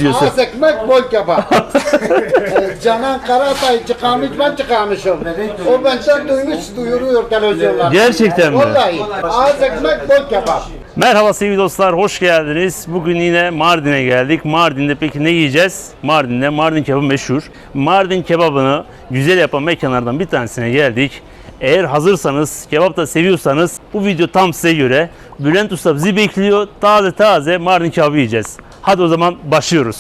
yazıyorsun. Az ekmek bol kebap. Canan Karatay çıkarmış, ben çıkarmışım. O benden duyuruyor televizyonlarda. Gerçekten mi? Vallahi. Az ekmek bol kebap. Merhaba sevgili dostlar, hoş geldiniz. Bugün yine Mardin'e geldik. Mardin'de peki ne yiyeceğiz? Mardin'de Mardin kebabı meşhur. Mardin kebabını güzel yapan mekanlardan bir tanesine geldik. Eğer hazırsanız, kebap da seviyorsanız bu video tam size göre. Bülent Usta bizi bekliyor. Taze taze Mardin kebabı yiyeceğiz. Hadi o zaman başlıyoruz.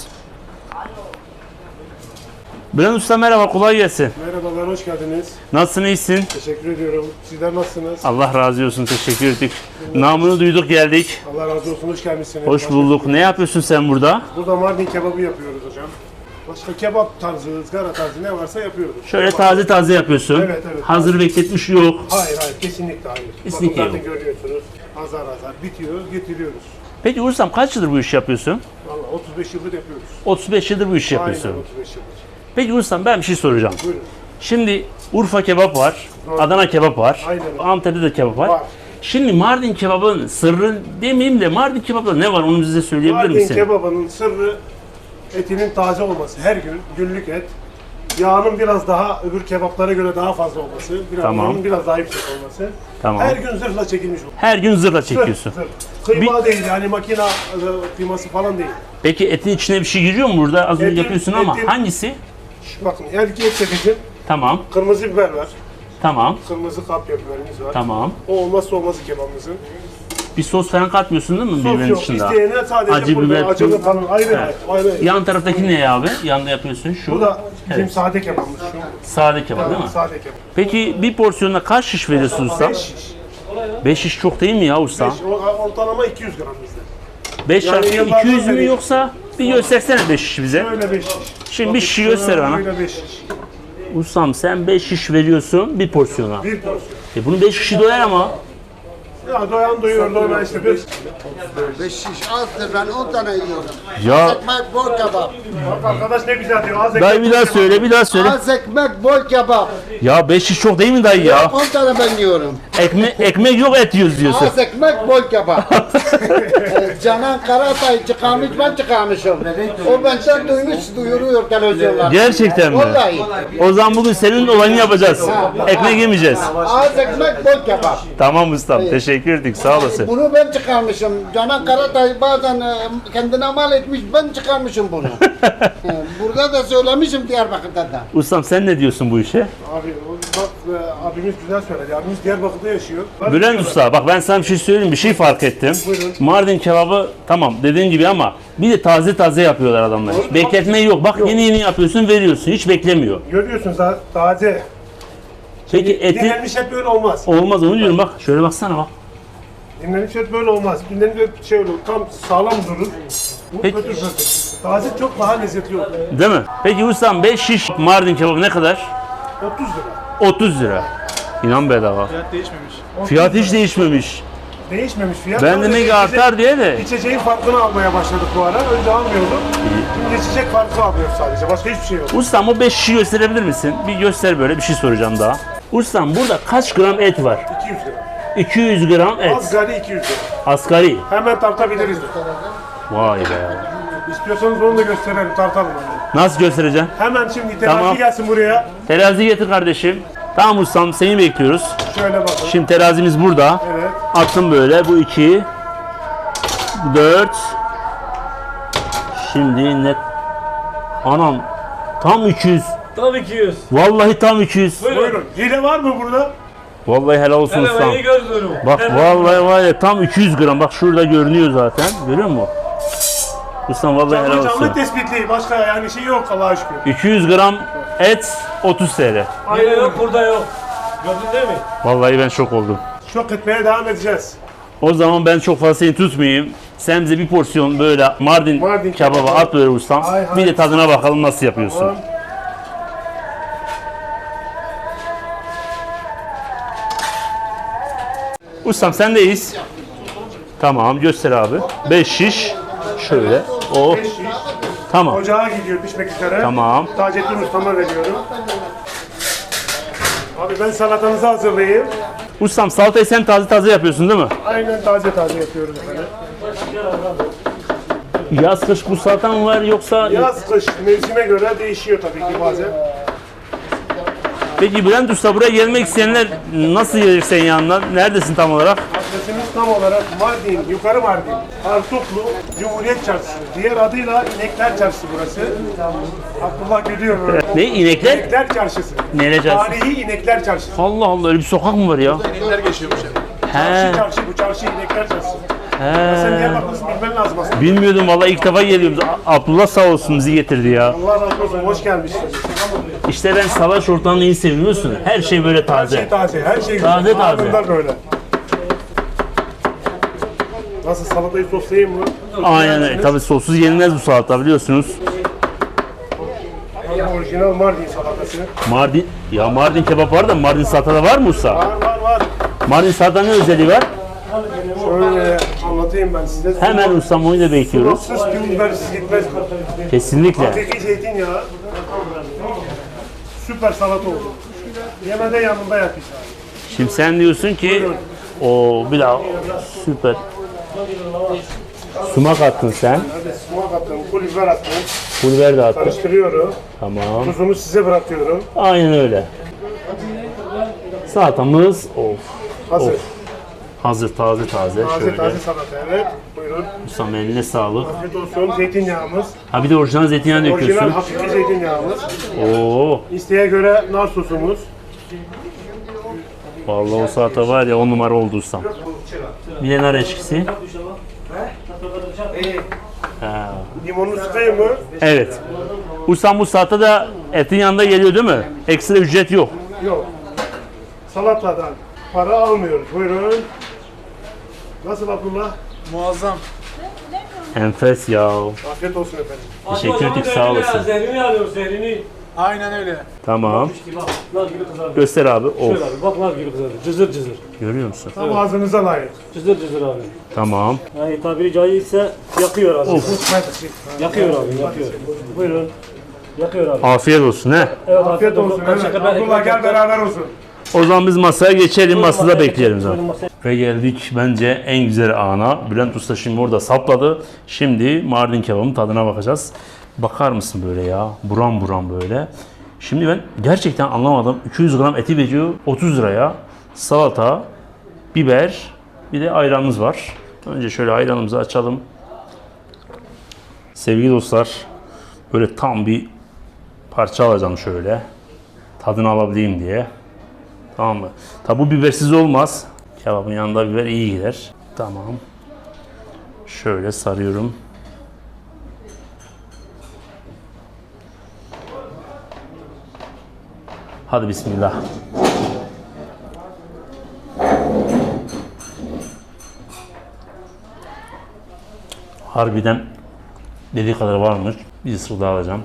Bülent Usta merhaba, kolay gelsin. Merhabalar, hoş geldiniz. Nasılsın, iyisin? Teşekkür ediyorum. Sizler nasılsınız? Allah razı olsun, teşekkür ettik. Namını duyduk, geldik. Allah razı olsun, hoş gelmişsiniz. Hoş bulduk. Ne yapıyorsun sen burada? Burada Mardin kebabı yapıyoruz hocam. Başka kebap tarzı, ızgara tarzı ne varsa yapıyoruz. Şöyle taze taze yapıyorsun. Evet, evet. Hazır bekletmiş yok. Hayır, kesinlikle hayır. Kesinlikle Bakın yok. zaten görüyorsunuz. Azar azar bitiyor, getiriyoruz. Peki Ursam kaç yıldır bu işi yapıyorsun? Vallahi 35 yıldır yapıyoruz. 35 yıldır bu işi yapıyorsun. Aynen 35 yıldır. Peki Ursam ben bir şey soracağım. Buyurun. Şimdi Urfa kebap var, Adana kebap var, Aynen. Antep'te de kebap var. Var. Şimdi Mardin kebabın sırrı demeyeyim de Mardin kebapta ne var onu bize söyleyebilir Mardin misin? kebabının sırrı etinin taze olması. Her gün günlük et. Yağının biraz daha öbür kebaplara göre daha fazla olması. Tamam. Yağının biraz daha yüksek olması. Tamam. Her gün zırhla çekilmiş olması. Her gün zırla çekiyorsun. Zırh. Kıyma değil yani makina kıyması falan değil. Peki etin içine bir şey giriyor mu burada? Az önce Etin- yapıyorsun ama etin- hangisi? Bakın erkeğe çekeceğim. Tamam, Kırmızı biber var. tamam, Kırmızı kapya biberimiz var. tamam. O olmazsa olmazı kebabımızın. Bir sos falan katmıyorsun değil mi Sos biberin yok. dışında? İsteyene sadece Acı burada biber, acılı tuz. falan ayrı Evet. ayrı. Yan taraftaki ne abi? Yanda yapıyorsun şu. Bu da bizim Evet. sade kebabımız şu. Sade kebap değil mi? Sade kebap. Peki bir porsiyonda kaç şiş veriyorsun usta? 5 şiş. 5 şiş çok değil mi ya usta? 5, ortalama 200 gram bizde. 5 Yani çarpı yıllardan 200 mü beri- yoksa bir göstersene 5 şiş bize. Böyle 5 şiş. Şimdi bir şişi göster bana. Böyle 5 şiş. Ustam sen 5 şiş veriyorsun bir porsiyona. Bir porsiyon. Bunun 5 şişi doyar ama. Ya doyan doyuyor, doyan işte 5. 5 şiş azdır, ben 10 tane yiyorum. Ya Ekmek bol kebap. Bak arkadaş ne güzel diyor. Az dayı ekmek bir daha kebap. söyle, bir daha söyle. Az ekmek bol kebap. Ya 5 şiş çok değil mi dayı ya? 10 tane ben yiyorum. Ekmek yok, et yiyoruz diyorsun. Az ekmek bol kebap. Canan Karatay çıkarmış, ben çıkarmışım. O benden duyuruyor televizyonlarda. Gerçekten mi? Vallahi. O zaman bugün senin olayını yapacağız. Ekmek yemeyeceğiz. Az ekmek bol kebap. Tamam ustam, teşekkür ettik, sağ olasın. Bunu ben çıkarmışım. Canan Karatay bazen kendine mal etmiş, ben çıkarmışım bunu. Burada da söylemişim Diyarbakır'da da. Ustam sen ne diyorsun bu işe? Abi bak abimiz güzel söyledi. Abimiz Diyarbakır'da yaşıyor. Bülent Usta bak ben sana bir şey söyleyeyim, bir şey fark ettim. Buyurun. Mardin kebabı tamam dediğin gibi ama bir de taze taze yapıyorlar adamlar. Doğru. Bekletme yok. Bak yeni yeni yapıyorsun, veriyorsun. Hiç beklemiyor. Görüyorsunuz taze. Peki eti Dinlenmiş et böyle olmaz. olmaz onu diyorum bak. Şöyle baksana bak. Dinlenmiş et böyle olmaz. Dinlenmiş et şey olur, tam sağlam durur. Bu Peki. fötür fötür. Taze çok daha lezzetli olur. Değil mi? Peki ustam 5 şiş Mardin kebabı ne kadar? 30 lira. 30 lira. İnan bedava. Fiyat değişmemiş. Fiyat hiç değişmemiş. Değişmemiş fiyat. Ben Sadece demek ki artar diye de. İçeceğin farkını almaya başladık bu ara. Önce almıyorduk. Şimdi içecek farkı alıyoruz sadece. Başka hiçbir şey yok. Ustam o 5 şişi gösterebilir misin? Bir göster böyle, bir şey soracağım daha. Ustam burada kaç gram et var? 200 lira. 200 gram et. Asgari 200 lira. Asgari. Hemen tartabiliriz. Vay be. İstiyorsanız onu da gösterelim, tartalım. Yani. Nasıl göstereceğim? Hemen şimdi terazi Tamam. gelsin buraya. Terazi getir kardeşim. Tamam ustam seni bekliyoruz. Şöyle bakın. Şimdi terazimiz burada. Evet. Attım böyle. Bu 2. 4. Şimdi net. Anam. Tam 200. Tam 200. Vallahi tam 200. Buyurun. Hile var mı burada? Vallahi helal olsun Hemen ustam. iyi gözlüyorum. Bak vallahi var ya tam 200 gram. Bak şurada görünüyor zaten. Görüyor musun? Ustam vallahi helal Canlı olsun. canlı tespitli. Başka yani şey yok Allah'a şükür. 200 gram et 30 TL. Yine yok, burada yok. Gördün değil mi? Vallahi ben şok oldum. Şok etmeye devam edeceğiz. O zaman ben çok fazla seni tutmayayım. Sen bize bir porsiyon böyle Mardin kebabı kebabı. at böyle ustam. Hay hay. Bir de tadına bakalım nasıl yapıyorsun. Tamam. Ustam sendeyiz. Tamam göster abi. 5 şiş. Şöyle. Oh. 5 şiş. Tamam. Ocağa gidiyor pişmek üzere. Tamam. Taceddin Usta'ma veriyorum. Abi ben salatanızı hazırlayayım. Ustam salatayı sen taze taze yapıyorsun değil mi? Aynen taze taze yapıyoruz efendim. Yaz kış bu salata mı var yoksa... Yaz, kış mevsime göre değişiyor tabii ki bazen. Peki Bülent Usta, buraya gelmek isteyenler nasıl gelir senin yanına? Neredesin tam olarak? Adresimiz tam olarak Mardin, Yukarı Mardin, Artuklu, Cumhuriyet Çarşısı. Diğer adıyla İnekler Çarşısı burası. Abdullah gülüyor böyle. Ne, inekler? İnekler Çarşısı. Neyle çarşısı? Tarihi İnekler Çarşısı. Allah Allah, öyle bir sokak mı var ya? İnekler geçiyormuş yani. He, Çarşı, bu çarşı İnekler Çarşısı. he. Sen Diyarbakır'sın, bilmen lazım aslında. Bilmiyordum vallahi, ilk defa geliyorum. Abdullah sağ olsun bizi getirdi ya. Allah razı olsun, hoş gelmişsin. İşte ben salaş ortamını iyi seviyorsun. Her şey böyle Her taze. şey taze, her şey Taze güzel. taze. Anında böyle. Nasıl, salatayı soslayayım mı? Aynen öyle. Tabii sossuz yenilmez bu salata, biliyorsunuz. Orijinal Mardin salatası. Mardin, ya Mardin kebap var da Mardin salatada var mı usta? Var. Mardin salata ne özelliği var? Şöyle anlatayım ben size. Hemen ustam, onu da bekliyoruz. Sus ki bibersiz gitmez bu. Kesinlikle. Hakiki zeytinyağı. Süper salata oldu. Yemede yanında yap işte. Şimdi sen diyorsun ki o bir daha süper. Sumak attın sen. Hadi sumak attım, pul biber attım. Pul biber de attın. Karıştırıyorum. Tamam. Tuzunu size bırakıyorum. Aynen öyle. Salatamız Hazır. hazır, taze. Taze Şöyle. taze salata, evet. Buyurun. Ustam eline sağlık. Afiyet olsun. Zeytinyağımız. Ha bir de orijinal zeytinyağı Orijinal döküyorsun. hakiki zeytinyağımız. Oo. İsteğe göre nar sosumuz. Vallahi o salata var ya, 10 numara oldu ustam. Bir de nar eşkisi. Ha. Limonunu sıkayım mı? Evet. Ustam bu salata da etin yanında geliyor değil mi? Ekstra ücret yok. Yok. Salatadan para almıyoruz. Buyurun. Nasıl Abdullah? Muazzam. Enfes ya. Afiyet olsun efendim. Teşekkür ettik, sağ olasın. Zehrini alıyor, zehrini. Aynen öyle. Tamam. Bak, nar gibi kızardı. Göster abi. Şöyle Of. abi, bak nar gibi kızardı. Cızır cızır. Görüyor musun? Tam ağzınıza layık. Cızır cızır abi. Tamam. Yani tabiri caizse yakıyor abi. Of. Yakıyor abi, yakıyor. Buyurun. Yakıyor abi. Afiyet olsun he. Evet, Afiyet olsun. Evet. Abdullah gel beraber olsun. O zaman biz masaya geçelim, masada bekleyelim zaten. Buyurun masaya. Ve geldik bence en güzel ana. Bülent Usta şimdi orada sapladı. Şimdi Mardin kebabının tadına bakacağız. Bakar mısın böyle ya? Buram buram böyle. Şimdi ben gerçekten anlamadım. 200 gram eti veriyor 30 liraya. Salata, biber, bir de ayranımız var. Önce şöyle ayranımızı açalım. Sevgili dostlar, böyle tam bir parça alacağım şöyle. Tadını alabileyim diye. Tamam mı? Tabi bu bibersiz olmaz. Kebabın yanında biber iyi gider. Tamam. Şöyle sarıyorum. Hadi bismillah. Harbiden dediği kadar varmış. Bir ısırık daha alacağım.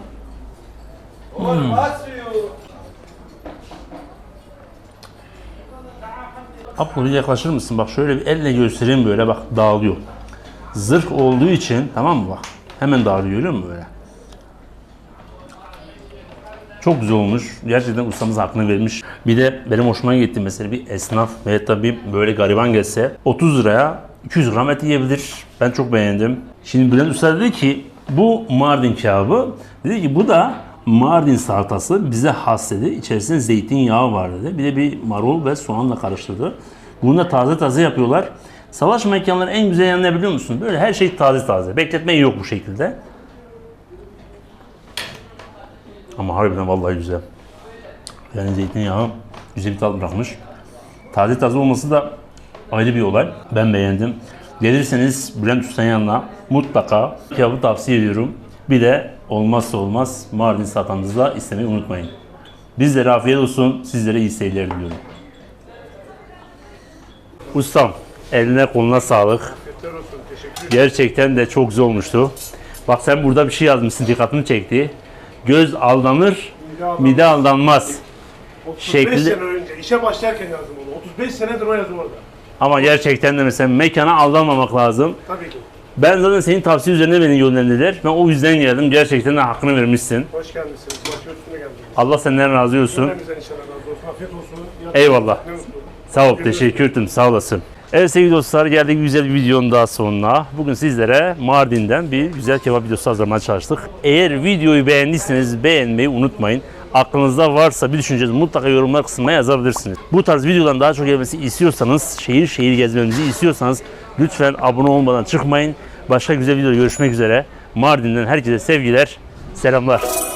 Abi buraya yaklaşır mısın? Bak şöyle bir elle göstereyim, böyle bak dağılıyor. Zırh olduğu için, tamam mı bak? Hemen dağılıyor, görüyor musun böyle? Çok güzel olmuş. Gerçekten ustamız hakkını vermiş. Bir de benim hoşuma gitti mesela, bir esnaf ve tabii böyle gariban gelse 30 liraya 200 gram et yiyebilir. Ben çok beğendim. Şimdi Bülent Usta dedi ki bu Mardin kebabı. Dedi ki bu da Mardin salatası, bize has dedi. İçerisinde zeytinyağı var dedi. Bir de bir marul ve soğanla karıştırdı. Bunu da taze taze yapıyorlar. Salaş mekanların en güzel yanı ne biliyor musun? Böyle her şey taze taze. Bekletme yok bu şekilde. Ama harbiden vallahi güzel. Yani zeytinyağı güzel bir tat bırakmış. Taze taze olması da ayrı bir olay. Ben beğendim. Gelirseniz Bülent Usta'nın yanına mutlaka kebabı tavsiye ediyorum. Bir de olmazsa olmaz Mardin salatanızla istemeyi unutmayın. Bizlere afiyet olsun, sizlere iyi seyirler diliyorum. Ustam, eline koluna sağlık. Gerçekten de çok güzel olmuştu. Bak sen burada bir şey yazmışsın, dikkatimi çekti. Göz aldanır, mide aldanmaz. 35 sene önce işe başlarken yazdım onu. 35 senedir o yazı orada. Ama gerçekten de mesela mekana aldanmamak lazım. Tabii ki. Ben zaten senin tavsiye üzerine beni yönlendirdiler. Ben o yüzden geldim. Gerçekten de hakkını vermişsin. Hoş gelmişsiniz. Başı üstüne geldiniz. Allah senden razı olsun. Cümlemizden inşallah razı olsun. Afiyet olsun. Eyvallah. Ne mutlu. Sağ ol, teşekkür ederim. Sağ olasın. Evet sevgili dostlar, geldik güzel bir videonun daha sonuna. Bugün sizlere Mardin'den bir güzel kebap videosu hazırlamaya çalıştık. Eğer videoyu beğendiyseniz beğenmeyi unutmayın. Aklınızda varsa bir düşüncenizi mutlaka yorumlar kısmına yazabilirsiniz. Bu tarz videoların daha çok gelmesi istiyorsanız, şehir şehir gezmemizi istiyorsanız lütfen abone olmadan çıkmayın. Başka güzel videoda görüşmek üzere. Mardin'den herkese sevgiler, selamlar.